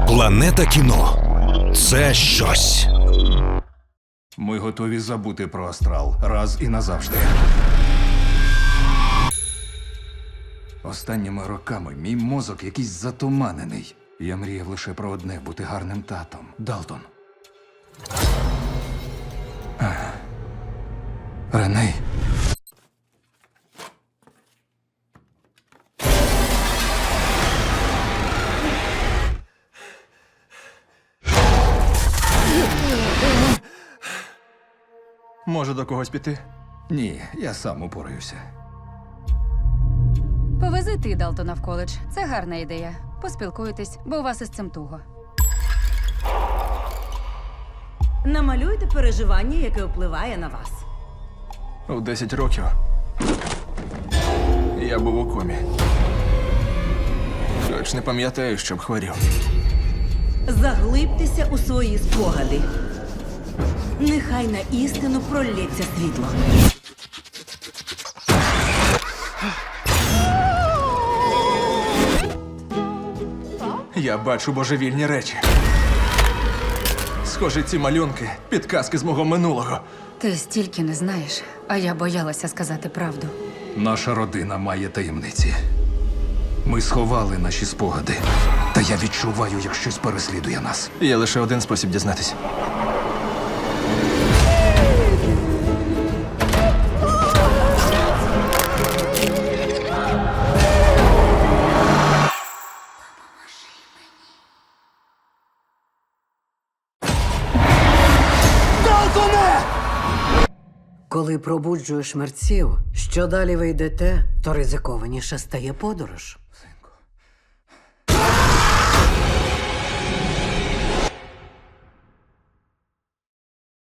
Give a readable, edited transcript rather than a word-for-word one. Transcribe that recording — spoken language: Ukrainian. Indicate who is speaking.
Speaker 1: Планета кіно – це щось.
Speaker 2: Ми готові забути про астрал раз і назавжди. Останніми роками мій мозок якийсь затуманений. Я мріяв лише про одне – бути гарним татом. Далтон. Реней.
Speaker 3: Може, до когось піти?
Speaker 2: Ні, я сам упораюся.
Speaker 4: Повези ти Далтона в коледж. Це гарна ідея. Поспілкуйтесь, бо у вас із цим туго.
Speaker 5: Намалюйте переживання, яке впливає на вас.
Speaker 3: У 10 років я був у комі. Хоч не пам'ятаю, щоб хворів.
Speaker 5: Заглибтеся у свої спогади. Нехай на істину пролється світло.
Speaker 3: Я бачу божевільні речі. Схоже, ці малюнки – підказки з мого минулого.
Speaker 4: Ти стільки не знаєш, а я боялася сказати правду.
Speaker 2: Наша родина має таємниці. Ми сховали наші спогади. Та я відчуваю, як щось переслідує нас.
Speaker 3: Є лише один спосіб дізнатись.
Speaker 6: Коли пробуджуєш мерців, що далі ви йдете, то ризикованіше стає подорож.